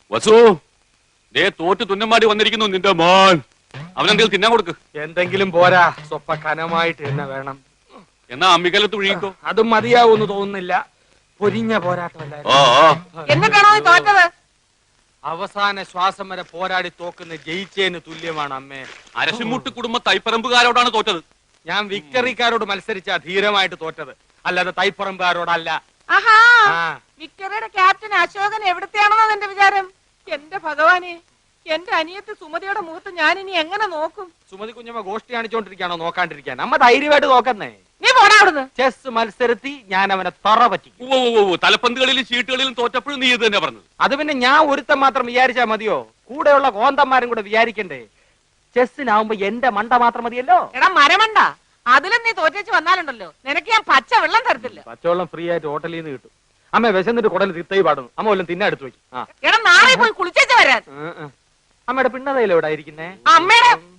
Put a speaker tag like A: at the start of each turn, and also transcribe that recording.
A: വസു, ദേ തോറ്റ് തുന്നമാടി വന്നിരിക്കുന്നു നിന്റെ മോൻ. അവനെന്തെങ്കിലും തിന്നാൻ കൊടുക്ക്.
B: എന്തെങ്കിലും പോരാ, സ്വപ്പ കനമായിട്ട് തന്നെ വേണം.
A: എന്നാ അമ്മിക്കലത്ത് ഒഴുകിക്കോ.
B: അതും മതിയാവൂന്ന് തോന്നുന്നില്ല. പൊരിഞ്ഞ പോരാട്ടമല്ലായിരുന്നു.
C: എന്നിട്ടാണോ നീ തോറ്റത്?
B: അവസാന ശ്വാസം വരെ പോരാടി തോക്കുന്ന ജയിച്ചേന് തുല്യമാണ് അമ്മേ.
A: അരശിമുട്ട് കുടുംബ തൈപ്പറമ്പുകാരോടാണ് തോറ്റത്.
B: ഞാൻ വിക്ടറിക്കാരോട് മത്സരിച്ച ധീരമായിട്ട് തോറ്റത്, അല്ലാതെ തൈപ്പറമ്പുകാരോടല്ല.
C: ആഹാ,
B: ആ.
C: വിക്ടറിയുടെ ക്യാപ്റ്റൻ അശോകൻ എവിടത്തെയാണെന്നാ എന്റെ വിചാരം? എന്റെ ഭഗവാനെ, എന്റെ അനിയത്തി സുമതിയുടെ മുഖത്ത് ഞാൻ ഇനി എങ്ങനെ നോക്കും?
B: സുമതി കുഞ്ഞമ്മ ഗോഷ്ടി കാണിച്ചോണ്ടിരിക്കാണോ നോക്കാണ്ടിരിക്കാൻ? അമ്മ ധൈര്യമായിട്ട് നോക്കുന്നേ.
C: നീ പോടാ അവിടുന്ന്.
B: ചെസ് മത്സരത്തി ഞാൻ അവനെ തറ പറ്റിക്കും.
A: തലപ്പന്തുകളിലും ചീട്ടുകളിലും തോറ്റപ്പോഴും നീ ഇത് തന്നെ പറഞ്ഞത്.
B: അത് പിന്നെ ഞാൻ ഒരുത്തം മാത്രം വിചാരിച്ചാ മതിയോ? കൂടെയുള്ള കോന്തന്മാരും കൂടെ വിചാരിക്കണ്ടേ? ചെസ്സിനാവുമ്പോ എന്റെ മണ്ട മാത്രം മതിയല്ലോ.
C: എടാ മരമണ്ട, അതിലും നീ തോറ്റേച്ച് വന്നാലുണ്ടല്ലോ, നിനക്ക് ഞാൻ പച്ച വെള്ളം തരത്തില്ല.
B: പച്ചവെള്ളം ഫ്രീ ആയിട്ട് ഹോട്ടലിൽ നിന്ന് കിട്ടും. അമ്മ വിശന്നിട്ട് കുടൽ തിത്തൈ പാടുന്നു. അമ്മ വല്ലതും തിന്നെ എടുത്തു വയ്ക്കും.
C: എടാ നാളെ പോയി കുളിച്ചേച്ച് വരാൻ.
B: അമ്മയുടെ പിണ്ണതയിലെവിടെ ഇരിക്കുന്നേ?
C: അമ്മയുടെ